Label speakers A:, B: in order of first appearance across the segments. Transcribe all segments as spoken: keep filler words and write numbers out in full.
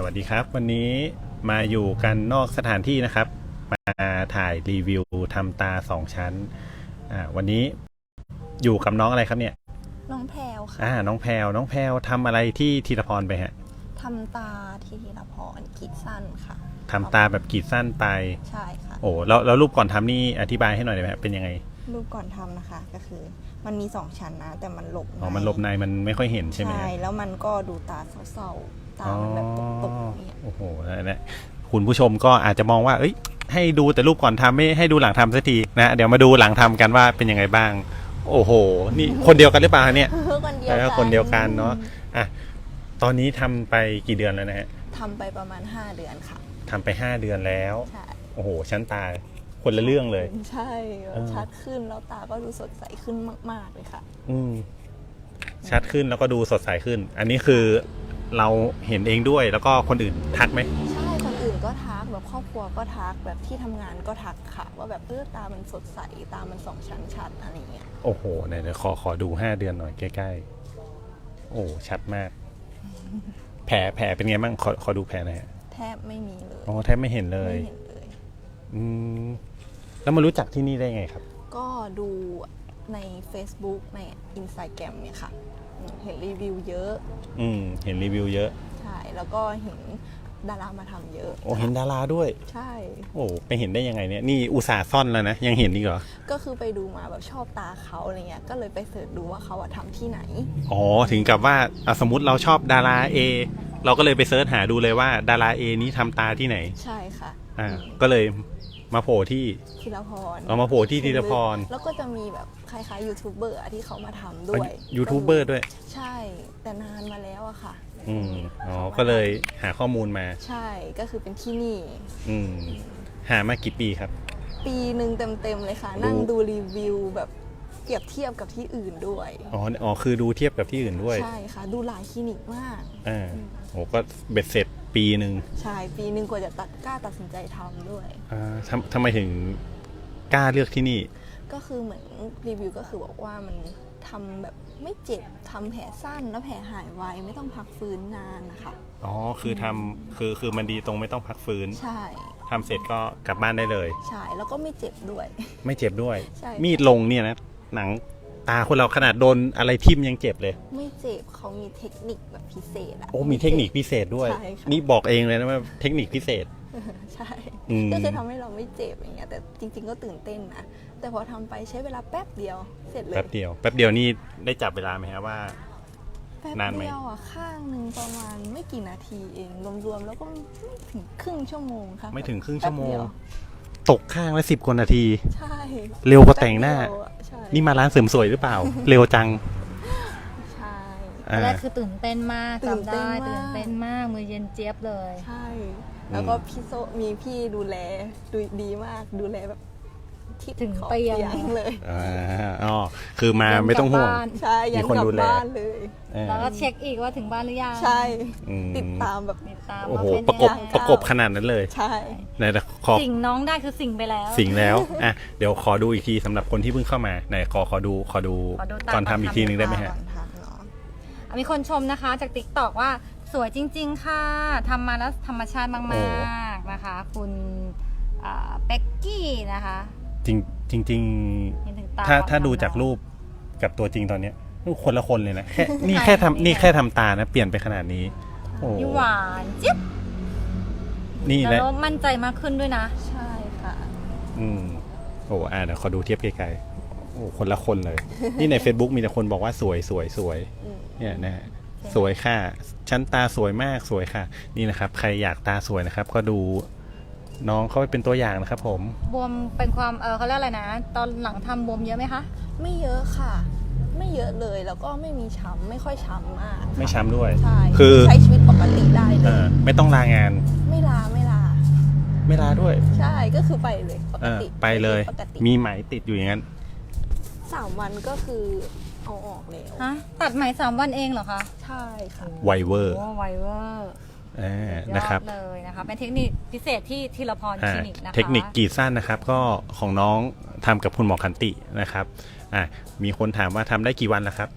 A: วัสดีครับวันนี้มาอยู่กันนอกสถานที่นะครับมาถ่ายรีวิวทำตาสองชั้นอ่าวันนี้อยู่กับน้องอะไรครับเนี่ย
B: น้องแพลวค่ะ
A: อ่าน้องแพลวน้องแพลวทำอะไรที่ธีรพรไปฮะ
B: ทำตาที่ธีรพรกรีดสั้นค่ะ
A: ทำตาแบบกรีดสั้นไป
B: ใช่ค่ะ
A: โอ้แล้วแล้วรูปก่อนทำนี่อธิบายให้หน่อยได้ไหมเป็นยังไง
B: รูปก่อนทำนะคะก็คือมันมีสองชั้นนะแต่มันหลบใน
A: อ๋อมันหลบในมันไม่ค่อยเห็นใช่ไหม
B: ใช่แล้วมันก็ดูตาเศร้าๆตามันแบบตกๆเนี่ย
A: โอ้โหนั่นแหละคุณผู้ชมก็อาจจะมองว่าเอ้ยให้ดูแต่รูปก่อนทำไม่ให้ดูหลังทำสักทีนะเดี๋ยวมาดูหลังทำกันว่าเป็นยังไงบ้างโอ้โหนี่คนเดียวกันหรือเปล่าเนี่ย
B: คนเดียวกัน
A: คนเดียวกันเนาะอ่ะตอนนี้ทำไปกี่เดือนแล้วนะฮะ
B: ทำไปประมาณห้าเดือนค่ะ
A: ทำไปห้าเดือนแล้ว
B: ใช่
A: โอ้โหชั้นตาคนละเรื่องเลย
B: ใช่ชัดขึ้นแล้วตาก็ดูสดใสขึ้นมากๆเลยค่ะ
A: อืมชัดขึ้นแล้วก็ดูสดใสขึ้นอันนี้คือเราเห็นเองด้วยแล้วก็คนอื่นทักไหม
B: ใช่คนอื่นก็ทักแบบครอบครัวก็ทักแบบที่ทำงานก็ทักค่ะว่าแบบเออตามันสดใสตามันสองชั้นชัดอะไรเงี้ย
A: โอ้โหไหนๆขอขอดูห้าเดือนหน่อยใกล้ๆโอ้ชัดมากแผลแผลเป็นไงบ้างขอขอดูแผลหน่อย
B: แทบไม่มีเลย
A: อ๋อแทบไม่เห็นเลย
B: ไม่เห็นเลย
A: อืมแล้วมารู้จักที่นี่ได้ไงครับ
B: ก็ดูใน Facebook ใน Instagram เนี่ยค่ะเห็นรีวิวเยอะ
A: อืมเห็นรีวิวเยอะ
B: ใช่แล้วก็เห็นดารามาทำเยอะ
A: โอ้เห็นดาราด้วย
B: ใช่
A: โอ้ไปเห็นได้ยังไงเนี่ยนี่อุตส่าห์ซ่อนแล้วนะยังเห็นอีกเหรอ
B: ก็คือไปดูมาแบบชอบตาเขาอะไรเงี้ยก็เลยไปเสิร์ชดูว่าเขาทำที่ไหน
A: อ๋อถึงกับว่าสมมติเราชอบดารา A เราก็เลยไปเสิร์ชหาดูเลยว่าดารา A นี้ทำตาที่ไหน
B: ใช่ค่ะ
A: อ่าก็เลยมาโผล่ที่
B: ธีรพร
A: เอามาโผล่ที่ธีรพร
B: แล้วก็จะมีแบบคล้ายๆยูทูบเบอร์ที่เขามาทำด้วย
A: ยูทูบเบอร์ด้วย
B: ใช่แต่นานมาแล้วอะค่ะ
A: อืมอ๋อก็เลยหาข้อมูลมา
B: ใช่ก็คือเป็นที่นี่
A: อืมหามากี่ปีครับ
B: ปีหนึ่งเต็มๆเลยค่ะนั่งดูรีวิวแบบเปรียบเทียบกับที่อื่นด้วย
A: อ๋ออ๋อคือดูเทียบกับที่อื่นด้วย
B: ใช่ค่ะดูหลายคลินิกมาก
A: อ่าโอ้ก็เบ็ดเสร็จปีหนึ่ง
B: ใช่ปีหนึ่งกว่าจะตัดกล้าตัดสินใจทำด้วย
A: อ่าทำทำไมถึงกล้าเลือกที่นี่
B: ก็คือเหมือนรีวิวก็คือบอกว่ามันทำแบบไม่เจ็บทำแผลสั้นแล้วแผลหายไวไม่ต้องพักฟื้นนานนะคะ
A: อ๋อคือทำคือคือมันดีตรงไม่ต้องพักฟื้น
B: ใช่
A: ทำเสร็จก็กลับบ้านได้เลย
B: ใช่แล้วก็ไม่เจ็บด้วย
A: ไม่เจ็บด้วย
B: ใช่
A: มีดลงเนี่ยนะหนังตาคนเราขนาดโดนอะไรทิ่มยังเจ็บเลย
B: ไม่เจ็บเขามีเทคนิคแบบพิเศษอะ
A: โอ้มีเทคนิคพิเศษด้วยนี่บอกเองเลยนะว่าเทคนิคพิเศษ
B: ใช่ก็คือทำให้เราไม่เจ็บอย่างเงี้ยแต่จริงๆก็ตื่นเต้นนะแต่พอทำไปใช้เวลาแป๊บเดียวเสร็จเลย
A: แป๊บเดียวแป๊บเดียวนี่ได้จับเวลาไหมครับว่า
B: แป๊บเดียวอ่ะข้างหนึ่งประมาณไม่กี่นาทีเองรวมๆแล้วก็ไม่ถึงครึ่งชั่วโมงค่ะ
A: ไม่ถึงครึ่งชั่วโมงตกข้างละสิบกว่านาที
B: ใช่
A: เร็วกว่าแต่งหน้านี่มาร้านเสริมสวยหรือเปล่าเร็วจัง
B: ใช่
C: แรกคือตื่นเต้นมากจำได้ตื่นเต้นมากมือเย็นเจี๊ยบเลย
B: ใช่แล้วก็พี่โซมีพี่ดูแลดูดีมากดูแลแบบที่
C: ถึงเตียง
B: เลย
A: อ๋อคือมาไม่ต้องห่วง
B: ใช่ยันกลับบ้านเลย
C: แล้วก็เช็คอีกว่าถึงบ้านหรือยัง
B: ใช่ติดตามแบบ
C: ติดตาม
A: โอ้โหประกบประกบขนาดนั้นเลย
B: ใช่
A: ไหนขอ
C: สิ่งน้องได้คือสิ่งไปแล้ว
A: สิ่งแล้วอ่ะเดี๋ยวขอดูอีกทีสำหรับคนที่เพิ่งเข้ามาไหนขอขอดูขอดูก่อนทำอีกทีนึงได้ไหมฮะ
C: มีคนชมนะคะจาก ติ๊กต็อก ว่าสวยจริงๆค่ะทำมาแล้วธรรมชาติมากๆนะคะคุณเป็กกี้นะคะ
A: จริงจริงจริงถ้าถ้าดูจากรูปกับตัวจริงตอนเนี้ยคนละคนเลยนะแค่นี่แค่ทำนี่แค่ทำตานะเปลี่ยนไปขนาดนี้
C: โอ้หวานจิ๊บ
A: นี่แหละ
C: แล้วมั่นใจมากขึ้นด้วยนะ
B: ใช่ค่ะ
A: อืมโอ้อ่าเดี๋ยวขอดูเทียบไกลๆโอ้คนละคนเลยนี่ใน Facebook มีแต่คนบอกว่าสวยสวยสวยเนี่ยนะฮะสวยค่ะชั้นตาสวยมากสวยค่ะนี่นะครับใครอยากตาสวยนะครับก็ดูน้องเขาเป็นตัวอย่างนะครับผม
C: บวมเป็นความเออเขาเรียกอะไรนะตอนหลังทำบวมเยอะไหมคะ
B: ไม่เยอะค่ะไม่เยอะเลยแล้วก็ไม่มีช้ำไม่ค่อยช้ำมาก
A: ไม่ช้ำด้วย
B: ใช่
A: คือ
B: ใช้ชีวิตปกติได้เลย
A: ไม่ต้องลางาน
B: ไม่ลาไม่ลา
A: ไม่ลาด้วย
B: ใช่ก็คือไปเลยปกติ
A: ไปเลยมีไหมติดอยู่อย่างนั้น
B: สามวันก็คือเอาออกแล้ว
C: ฮะตัดไหมสามวันเองเหรอคะ
B: ใช่ค่ะ
A: ไวเวอร์
C: โอ้ไวเวอร์
A: นะครับ
C: เลยนะคะเป็นเทคนิคพิเศษที่ธีรพรคลินิกนะคะ
A: เทคนิคกรีดสั้นนะครับก็ของน้องทำกับคุณหมอขันตินะครับอ่ามีคนถามว่าทำได้กี่วันแล้วครับ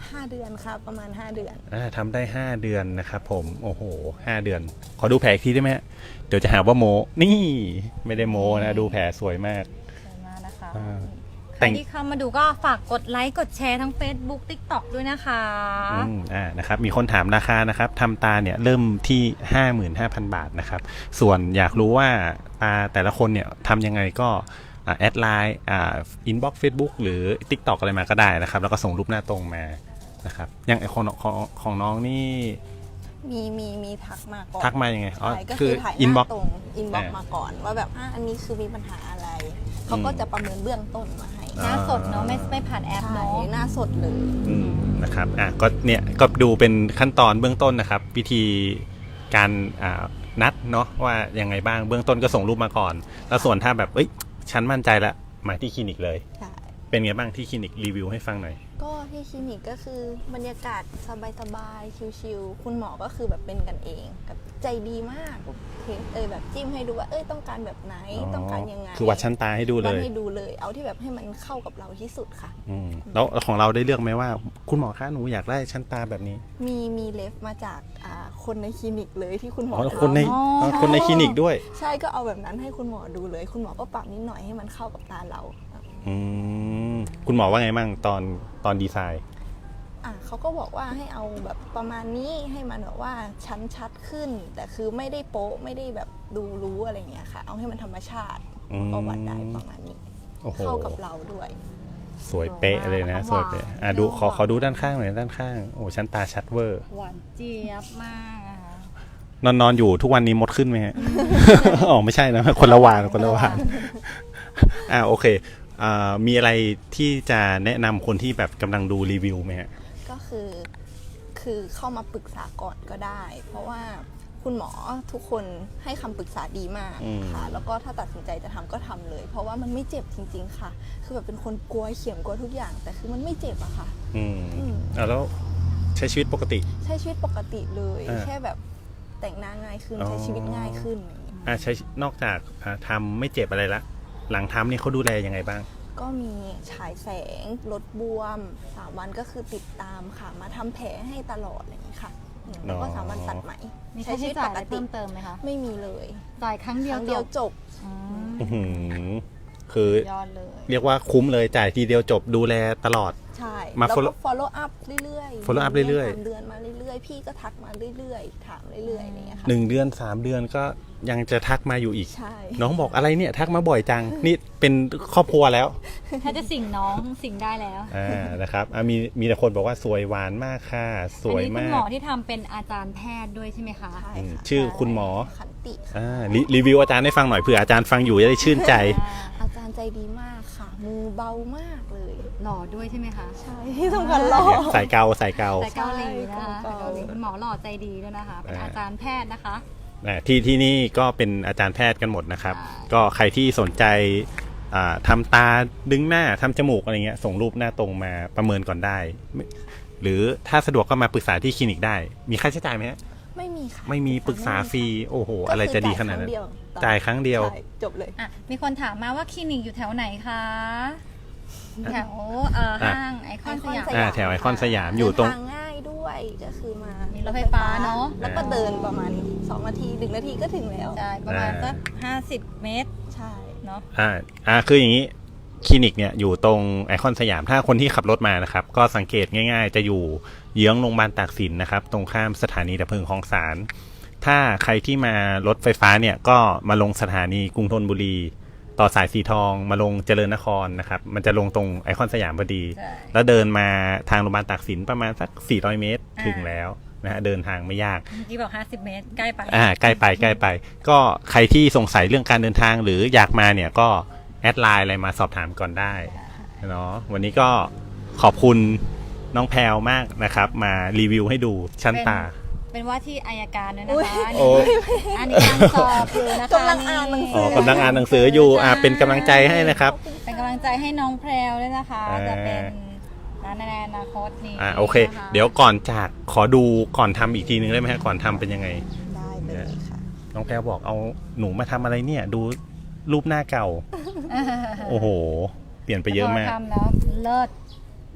B: ห้าเดือนค่ะประมาณห้าเดือน
A: อ่าทำได้ห้าเดือนนะครับผมโอ้โหห้าเดือน ขอดูแผลอีกทีได้ไหมฮะเดี๋ยวจะหาว่าโมนี่ไม่ได้โมนะดูแผลสวยมาก
C: สวยมากนะคะ
A: อ่า
C: ใครที่เข้ามาดูก็ฝากกดไลค์กดแชร์ทั้ง Facebook TikTok ด้วยนะคะ
A: อืมอ่านะครับมีคนถามราคานะครับทำตาเนี่ยเริ่มที่ ห้าหมื่นห้าพัน บาทนะครับส่วนอยากรู้ว่าตาแต่ละคนเนี่ยทำยังไงก็แอดไลน์อ่าอินบ็อกซ์เฟซบุ๊กหรือ TikTok อะไรมาก็ได้นะครับแล้วก็ส่งรูปหน้าตรงมานะครับอย่างไอของของของน้องนี่
B: มีมีมีทักมาก่อน
A: ทักมายังไงอ๋อ
B: ใช่ก็
A: คื
B: คือ อถ่ายห
A: อินบ็
B: น้า
A: อกซ์
B: ตรงอินบ็อก
A: อ่า
B: มาก่อนว่าแบบอ่ะอันนี้คือมีปัญหาอะไร เขาก็จะประเมินเบื้องต้นมาให้
C: หน้าสดเนาะไม่ไม่ผ่านแอป
B: ใช่
C: เนาะ
B: หน้าสดเลย
A: อืมนะครับอ่ะก็เนี่ยก็ดูเป็นขั้นตอนเบื้องต้นนะครับ วิธีการอ่านัดเนาะว่ายังไงบ้างเบื้องต้นก็ส่งรูปมาก่อน แล้วส่วนถ้าแบบเอ้ยฉันมั่นใจละมาที่คลินิกเลย
B: ใช่
A: เป็นไงบ้างที่คลินิกรีวิวให้ฟังหน่อย
B: ก็ที่คลินิกก็คือบรรยากาศสบายๆชิลๆคุณหมอก็คือแบบเป็นกันเองแบบใจดีมากเทสเอยแบบจิ้มให้ดูว่าเอ้ยต้องการแบบไหนต้องการยังไง
A: คือวัดชั้นตาให้ดูเล
B: วัด
A: ย
B: ให้ดูเลยเอาที่แบบให้มันเข้ากับเราที่สุดค่ะ
A: อืมแล้วของเราได้เลือกไหมว่า คุณหมอคะหนูอยากได้ชั้นตาแบบนี้
B: มีมีเลฟมาจากอ่าคนในคลินิกเลยที่คุณหมอ
A: อ๋อแล้วคนใน
B: ลอง
A: อ๋อคนในคลินิกด้วย
B: ใช่ก็เอาแบบนั้นให้คุณหมอดูเลย คุณหมอก็ปรับนิดหน่อยให้มันเข้ากับตาเรา
A: อืมคุณหมอว่าไงบ้างตอนตอนดีไซน์
B: อ่ะเขาก็บอกว่าให้เอาแบบประมาณนี้ให้มันแบบว่าชั้นชัดขึ้น แต่คือไม่ได้โป๊ะไม่ได้แบบดูรู้อะไรเงี้ยค่ะ เอาให้มันธรรมชาติ
A: อืม
B: ก็วัดได้ประมาณนี้
A: โอ้โห
B: เข้ากับเราด้วย
A: สวยเป๊ะเลยนะสวยเป๊ะอ่ะดูขอขอดูด้านข้างหน่อยด้านข้างโอ้ชั้นตาชัดเวอร์
C: หวานเจี๊ยบมากอะค่ะ
A: นอนนอนอยู่ทุกวันนี้มดขึ้นไหมฮะ อ๋อไม่ใช่นะคนละวานคนละวานอ่าโอเคอ่ามีอะไรที่จะแนะนำคนที่แบบกำลังดูรีวิวไหมฮะ
B: ก็คือคือเข้ามาปรึกษาก่อนก็ได้ เพราะว่าคุณหมอทุกคนให้คำปรึกษาดีมาก
A: อืม
B: ค่ะ แล้วก็ถ้าตัดสินใจจะทำก็ทำเลย เพราะว่ามันไม่เจ็บจริง ๆ ค่ะ คือแบบเป็นคนกลัวเข็มกลัวทุกอย่าง แต่คือมันไม่เจ็บอะค่ะ
A: อืม
B: อืม
A: อ่าแล้วใช้ชีวิตปกติ
B: ใช้ชีวิตปกติเลย
A: อ่า
B: แค่แบบแต่งหน้าง่ายขึ้น
A: อ๋อ
B: ใช้ชีวิตง่ายขึ้นอย่างเงี้ย
A: อ่าใช้นอกจากอ่าทำไม่เจ็บอะไรละ หลังทำนี่เขาดูแลยังไงบ้าง
B: ก็มีฉายแสงลดบวมสามวันก็คือติดตามค่ะ มาทำแผลให้ตลอดอะไรอย่างนี้ค่ะอืมแล้วก็
A: อ๋อ
B: สามวันตัดไหม
C: มีค่าใช้จ่ายอะไรเพิ่มเติมไหมคะ
B: ไม่มีเลย
C: จ่ายครั้ง
B: ค
C: เดียว
B: รั้งเดียว
C: จบ
B: จบ
C: อืม
A: อื้อหือคือย
C: อดเลย
A: เรียกว่าคุ้มเลยจ่ายทีเดียวจบดูแลตลอด
B: ใช่
A: มา
B: แล้ว
A: follow
B: ก็ follow up เรื่อยๆ
A: follow up เรื่อยๆ
B: สามเดือนมาเรื่อยๆ พี่ก็ทักมาเรื่อยๆ ถามเรื่อยๆอะไรอย่างเงี้ยค่ะ
A: หนึ่งเดือนสามเดือนก็ยังจะทักมาอยู่อีก
B: ใช่
A: น้องบอกอะไรเนี่ยทักมาบ่อยจัง นี่เป็นครอบครัวแล้ว
C: ถ้าจะสิ่งน้องสิ่งได้แล้ว
A: อ่านะครับอ่ะมีมีแต่คนบอกว่าสวยหวานมากค่ะ สวย
C: อันนี้คุ
A: มา
C: ณหม
A: ก
C: อที่ทำเป็นอาจารย์แพทย์ด้วยใช่ไหมคะ
B: ใช่
A: อืม
B: ค่ะ
A: ชื่อคุณหมอ
B: ขันติค่ะ
A: อ่ารีรีวิวอาจารย์ให้ฟังหน่อยเผื่ออาจารย์ฟังอยู่จะได้ชื่นใจ
B: อาจารย์ใจดีมากค่ะ มือเบามากเลย
C: หล่อด้วยใช่ไหมคะ
B: ใช่ที่สำคัญหล่อ
A: สายเกาสายเกา
C: แต่เกาหลีนะคะ
B: ใช่
C: เกาหลีคุณหมอหล่อใจดีด้วยนะคะ เป็น
A: อ่า
C: อาจารย์แพทย์นะคะ
A: อ่าที่ที่นี่ก็เป็นอาจารย์แพทย์กันหมดนะครับ
C: ใช่
A: ก็ใครที่สนใจอ่าทำตาดึงหน้าทำจมูกอะไรเงี้ยส่งรูปหน้าตรงมาประเมินก่อนได้ไม่หรือถ้าสะดวกก็มาปรึกษาที่คลินิกได้ มีค่าใช้จ่ายไหมฮะ
B: ไม่มีค่ะ
A: ไม่มีปรึกษาฟรีโอ้โห
B: ก็คื
A: อะไรจะดีขนาดนั้น
B: จ่า
A: จ่าย ย
B: ค
A: ค
B: รั้
A: รั้
B: ง
A: ง
B: เดี
A: เดี
B: ย
A: ยว ว
B: ใช่จบเลย
C: อ่ะมีคนถามมาว่าคลินิกอยู่แถวไหนคะ แถวเอ่อ
A: อ่ะ
C: ห้างไอคอนสยาม
A: อ่าแถวไอคอนสยามอยู่ตรง
B: เดินทางง่ายด้วยก็คือมา
C: มี
B: มี
C: รถไฟฟ้าเนอะ
B: แล้วก็เดินประมาณสองนาทีหนึ่งนาทีก็ถึงแล้ว
C: ใช่ประมาณ
A: อ่า
C: สักห้าสิบเมตร
B: ใช่
C: เนาะ
A: อ่าอ่าคืออย่างนี้คลินิกเนี่ยอยู่ตรงไอคอนสยามถ้าคนที่ขับรถมานะครับ ก็สังเกตง่ายๆ จะอยู่เยื้องโรงพยาบาลตากสินนะครับ ตรงข้ามสถานีดับเพลิงคลองสารถ้าใครที่มารถไฟฟ้าเนี่ยก็มาลงสถานีกรุงธนบุรี ต่อสายสีทองมาลงเจริญนครนะครับมันจะลงตรงไอคอนสยามพอดี
C: ใช่
A: แล้วเดินมาทางโรงพยาบาลตากสินประมาณสักสี่ร้อยเมตรถึงแล้วนะฮะเดินทางไม่ยาก
C: เมื่อกี้บอกห้าสิบเมตร ใกล้ไป
A: อ่าใกล้ไปใกล้ไป ก็ใครที่สงสัยเรื่องการเดินทางหรืออยากมาเนี่ยก็แอดไลน์อะไรมาสอบถามก่อนได้เนาะวันนี้ก็ขอบคุณน้องแพลวมากนะครับ มารีวิวให้ดูชั้นตา
C: เป็นว่าที่อายการด้วย
B: อุ๊
C: นะ
B: ย
C: คะ
A: โอ้
C: อันนี้การสอบอยู่นะคะ
B: กำลังอ่านหนังสื
A: อ๋อกำลังอ่านหนังสืออยู่อ่าเป็นกำลังใจให้นะครับ
C: เป็นกำลังใจให้น้องแพรวด้วยนะคะ
A: อ่า
C: จะเป็นร้านในอนาคตนี้
A: อ่าโอเค
C: นะคะ
A: เดี๋ยวก่อนจากขอดูก่อนทำอีกทีนึงได้ไหมฮะก่อนทำเป็นยังไง
B: ได้เลยค่ะ
A: น้องแพลวบอกเอาหนูมาทำอะไรเนี่ย ดูรูปหน้าเก่า โอ้โห เปลี่ยนไปเยอะมาก
C: พทำแล้วเลิศ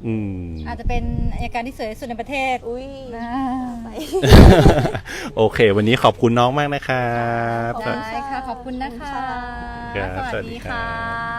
A: อืม
C: อาจจะเป็นอัยการที่สวยที่สุดในประเทศ
B: อุ้ย
C: นะ
B: ไป
A: โอเค วันนี้ขอบคุณน้องมากนะครับ
B: ขอบคุณ
C: ได้ค่ะ ขอบคุณนะคะ
A: ครับ
C: ส
A: สวั
C: วั
A: ส
C: ส
A: ดี
C: ดี
A: ครั
C: ค่ะ
A: บ